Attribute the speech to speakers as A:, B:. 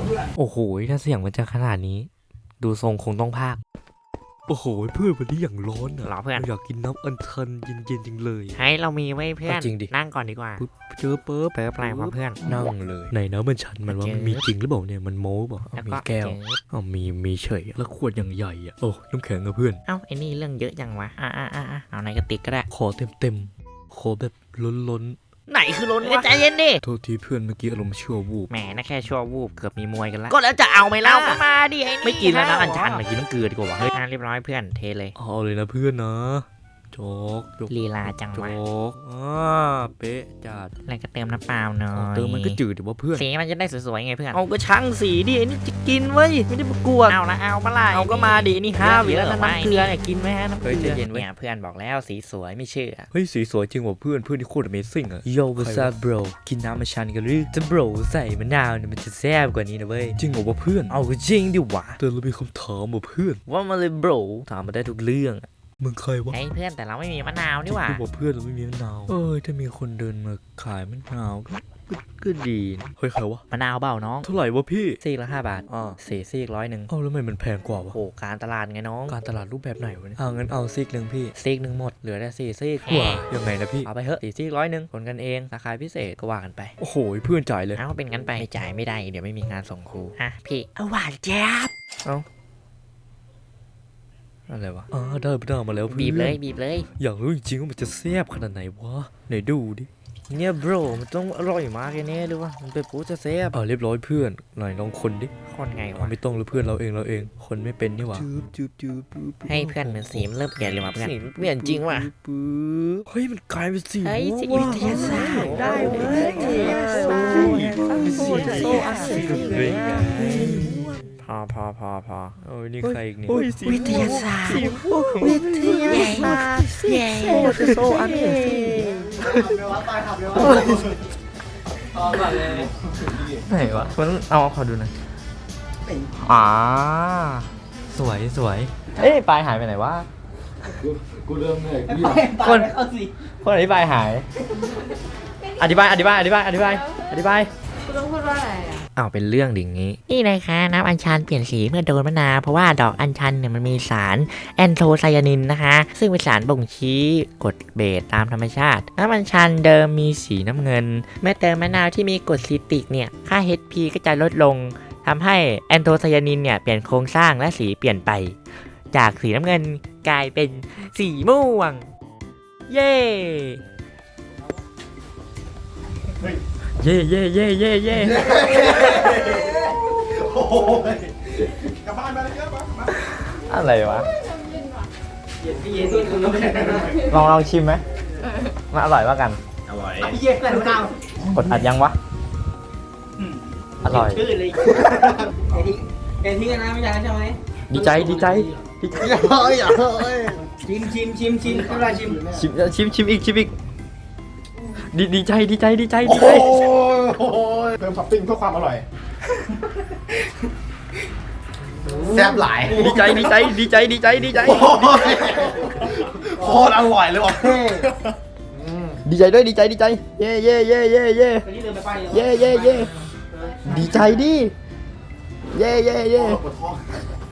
A: โอ้โหถ้าเสียงมันจะขนาดนี้ดูทรงคงต้องพากโอ้โหเพื่อนวันนี้อย่างร้อนอ่ะ
B: หรอเพื่อน
A: อยากกินน้ำอัญชันเย็นๆจริงเลย
B: ใช่เรามีไว้เพื่อน
A: จริงดิ
B: นั่งก่อนดีกว่า
A: ปุ๊บเจอเปิ๊บ
B: เปิดแปลงมาเพื่อน
A: นั่งเลยในน้ำอัญชันมันว่ามันมีจริงหรือเปล่าเนี่ยมันโม้เปล่ามีแก้วมีเฉยแล้วขวดอย่างใหญ่อ่ะโอ้น้ำแข็งอะเพื่อน
B: เอ้าไอ้นี่เรื่องเยอะจังวะเอาในกระติกก็ได้
A: ขอเต็มขอแบบล้น
B: ไหนคือล้นวะใจเย็นดิ
A: โทษทีเพื่อนเมื่อกี้อารมณ์ชั่ววูบ
B: แหมน่าแค่ชั่ววูบเกือบมีมวยกันแล้วก็แล้วจะเอาไหมเล่าก็มาดิไอ้นี่ไม่กินแล้วนะอันชันมากินน้ำเกลือดีกว่าเฮ้ยเรียบร้อยเพื่อนเทเลย
A: เอาเลยนะเพื่อนนะโจ๊ก
B: ลีลาจังวะ
A: เป๊ะจัด
B: แล้วก็เติมน้ำเปล่าหน่อย
A: เติมมันก็จืดดิว่าเพื่อน
B: สีมันจะได้สวยๆไงเพื่อน
A: เอาก็ช่างสีดิไอ้นี่จะกินเว้ยไม่ได้มากลัว
B: เอาละเอาปะล่ะ
A: เอาก็มาดินี่5 วิแล้วน้ำเกลือเนี่ยกินไหมฮะน้ำเกลือ
B: เย็นเนี่ยเพื่อนบอกแล้วสีสวยไม่เชื่อ
A: เฮ้ยสีสวยจริงว่ะเพื่อนที่โคตร Amazing อ่ะโย่วอทบรกินน้ำอัญชันกันหรือจะบรใส่มะนาวเนี่ยมันจะแซ่บกว่านี้นะเว้ยจริงเหรอวะเพื่อน
B: เอาจริงดิวะ
A: แต่เรามีคำถามว่ะเพื่อน
B: ว่ามาเลยบร
A: ถามมาได้ทุกเรื่องมึงเคยวะ
B: ไอ้เพื่อนแต่เราไม่มีมะนาวนี่หว่า
A: บอกเพื่อนเราไม่มีมะนาวถ้ามีคนเดินมาขายมะนาวก็ดีเฮ้ยใครวะ
B: มะนาวเบาน้อง
A: เท่าไหร่วะพี่
B: ซีกละ5 บาทซีก100
A: เอาแล้วทำไมมันแพงกว่าวะ
B: โอ้การตลาดไงน้อง
A: การตลาดรูปแบบไหนวะเนี่ยงั้นเอาซีกนึงพี่
B: ซีกนึงหมดเหลือแต่ซีก
A: ว้ายังไงนะพี่
B: เอาไปเถอะซีก100คนกันเองราคาพิเศษก็ว่ากันไป
A: โอ้โหเพื่อนจ่ายเลย
B: เอาเป็นงั้นไปไม่จ่ายไม่ได้เดี๋ยวไม่มีงานส่งครูพี่เอาหวานแจ๊บ
A: เอาอะไรวะได้มาแล้ว
B: บีบเลย
A: อยากรู้จริงๆว่ามันจะแซ่บขนาดไหนวะไหนดูดิ
B: เนี่ยบรมันต้องอร่อยมากแน่หรือวะมันเป็นปูจะแซ่บ
A: เรียบร้อยเพื่อนหน่อยลองคนดิ
B: คนไงวะ
A: ไม่ต้องเลยเพื่อนเราเองคนไม่เป็นนี่หว่า
B: ให้เพื่อนเหมือนสีมันเริ่มเปลี่ยนเลยว่ะเพื่อนสีเปลี่ยนจริงว่ะ
A: เฮ้ยมันกลายเป็นสี
B: วิทยาศาสตร์ได้เว้ยพอ
A: นี่ใครอีกนี่
B: วิทยาศาสตร์โซอันไหนวะมันเอาขอดูหน่อยสวยปลายหายไปไหนวะ
A: กูเริ่มเลย
B: คนอธิบายหายอธิบาย
C: คุณต้องพูดว่าอะไร
B: เป็นเรื่องดิ่งนี้นี่นะคะน้ำอัญชันเปลี่ยนสีเมื่อโดนมะนาวเพราะว่าดอกอัญชันเนี่ยมันมีสารแอนโทไซยานินนะคะซึ่งเป็นสารบ่งชี้กรดเบสตามธรรมชาติน้ำอัญชันเดิมมีสีน้ำเงินเมื่อเติมมะนาวที่มีกรดซิตริกเนี่ยค่า HP ก็จะลดลงทำให้แอนโทไซยานินเนี่ยเปลี่ยนโครงสร้างและสีเปลี่ยนไปจากสีน้ำเงินกลายเป็นสีม่วงเย้
D: โอ้ยกลับบ้านมาเลยครับ
B: อะไรวะลองชิมไหมมาอร่อยว่ากัน
D: อร่อย
C: พี่เย็นแต่ข้าว
B: กดอัดยังวะอร่อย
C: ชื่อเลยเอ็นที่กันนะไม่ใช่ใช่ไหม
B: ดีใจ
D: อย่าชิมอะไร
B: ชิมอีกดีใจ
D: โอ้ยเพิ่มท็อปปิ้งเพื่อความอร่อยแซ่บหลาย
B: ดีใจ
D: โคตรอร่อยเลยว่ะ
B: ดีใจด้วยเย่ดีใจดิเย่